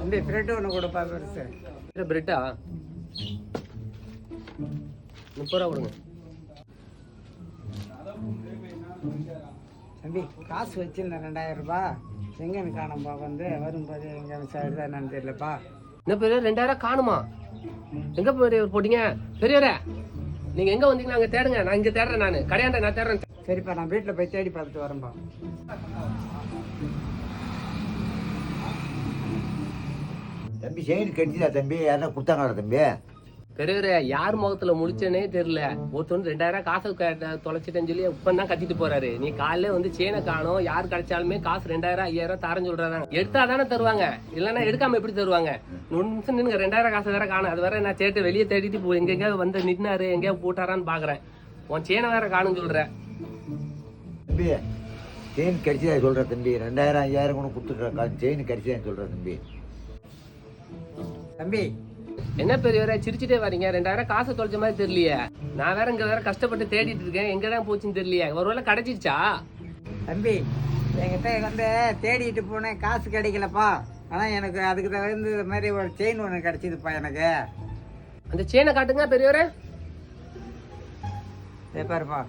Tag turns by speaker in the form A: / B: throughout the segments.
A: தம்பி பிரெட் ஒன்று கொடுப்பா பெருசு.
B: பிரெட்டா 30 ரூபா கொடுங்க.
A: தம்பி காசு வச்சிருந்தேன் 2000 ரூபாய். எங்கன்னு காணும்பா, வந்து வரும்போது எங்கே சைடு தான் என்னன்னு தெரியலப்பா.
B: என்ன பெரியவர் 2000 காணுமா? எங்க பெரியவர் போட்டீங்க? பெரியவரே நீங்க எங்க வந்தீங்கன்னா அங்க தேடுங்க. நான் இங்க தேடுறேன், நான் கடையாண்ட நான் தேடுறேன்.
A: சரிப்பா, நான் வீட்டில் போய் தேடி பார்த்துட்டு வரேன்ப்பா.
C: தம்பி செயின் கட்டிதா தம்பி? யாரா கொடுத்தாங்களா தம்பி?
B: பெரியவரே யார் முகத்துல முடிச்சேனே தெரியல. ஒருத்தர் 2000 காசு தொலைச்சிட்டேன்னு சொல்லி இப்பதான் கத்திட்டு போறாரு. நீ காலையில வந்து சேனை காணும், யார் கிடைச்சாலுமே காசு 2000 5000 தரேன்னு சொல்றாங்க. எடுத்தா தானே தருவாங்க, இல்லைன்னா எடுக்காம எப்படி தருவாங்க? 1 நிமிஷம் நின்னுங்க, 2000 காசு வேற காணும். அது வேற நான் சேட்டு வெளியே தேடிட்டு போ எங்கெங்க வந்து நின்னாரு, எங்கேயா போட்டாரான்னு பாக்குறேன். உன் சேனை வேற காணுன்னு சொல்ற.
C: தம்பி செயின் கடிச்சதா சொல்ற தம்பி? 2000 5000 கூட கொடுத்துட்றா, செயின் கடிச்சதா சொல்ற தம்பி?
A: தம்பி
B: என்ன பெரியவரே சிரிச்சுட்டே வரீங்க? 2000 காசு தொலைச்ச மாதிரி தெரியலையே. நான் வேற இங்க வேற கஷ்டப்பட்டு தேடிட்டு இருக்கேன், எங்கதான் போச்சுன்னு தெரியலையே. ஒருவேளை கிடைச்சிருச்சா?
A: தம்பி என்கிட்ட வந்து தேடிட்டு போனேன், காசு கிடைக்கலப்பா. ஆனால் எனக்கு அதுக்கு தகுந்த மாதிரி ஒரு செயின் ஒன்று கிடைச்சிதுப்பா எனக்கு.
B: அந்த செயினை காட்டுங்க பெரியவரே.
A: பாருப்பா,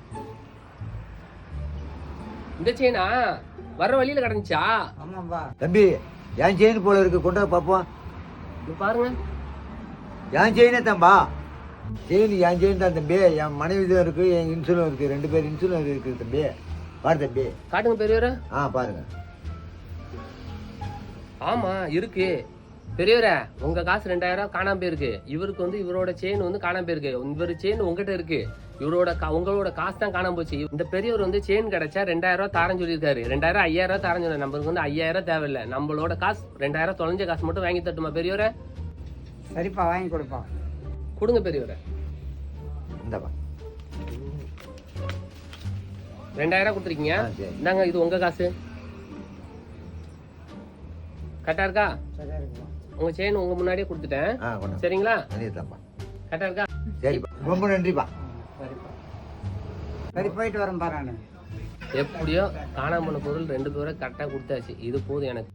B: இந்த செயினா வர்ற வழியில கிடந்துச்சா?
A: ஆமாப்பா.
C: தம்பி என் செயின் போல இருக்கு, கொண்டு வா பார்ப்போம்.
B: பாருங்க,
C: என் செயினே தம்பா. செயின் என் செயின் தான் தம்பி. என் மனைவி தான் இருக்கு, என் இன்சூரன்ஸ் இருக்கு, 2 பேர் இன்சூரன்ஸ் இருக்குது தம்பி. பாரு தம்பி.
B: காட்டுங்க பெரியவரே.
C: பாருங்க.
B: ஆமா இருக்கு பெரியவரே. உங்க காசு 2000 காணாம போயிருக்கு. இவருக்கு வந்து இவரோட செயின் வந்து காணாம போயிருக்கு. இவரு செயின் உங்ககிட்ட இருக்கு, இவரோட உங்களோட காசு தான் காணாம போச்சு. இந்த பெரியவர் வந்து செயின் கிடைச்சா 2000 தாரன்னு சொல்லியிருக்காரு. 2000 5000 தாரன்னு சொன்னாரு. நம்மளுக்கு வந்து 5000 தேவையில்லை. நம்மளோட காசு 2000 தொலைஞ்ச காசு மட்டும் வாங்கி தட்டுமா பெரியவரே?
A: சரிப்பா, வாங்கி கொடுப்பா.
B: கொடுங்க பெரியவரே.
C: இந்தப்பா
B: 2000 கொடுத்துருக்கீங்க. இந்தாங்க, இது உங்க காசு. கரெக்டா இருக்கா?
A: சரியா இருக்குப்பா.
B: உங்க செயின் உங்க முன்னாடியே கொடுத்துட்டேன், சரிங்களா? கரெக்டா இருக்கா?
C: சரிப்பா, ரொம்ப நன்றிப்பா.
A: சரிப்பா, சரி போயிட்டு வரேன்ப்பா. நான்
B: எப்படியோ காணாம போன பொருள் 2 பேரை கரெக்டா கொடுத்தாச்சு. இது போதும் எனக்கு.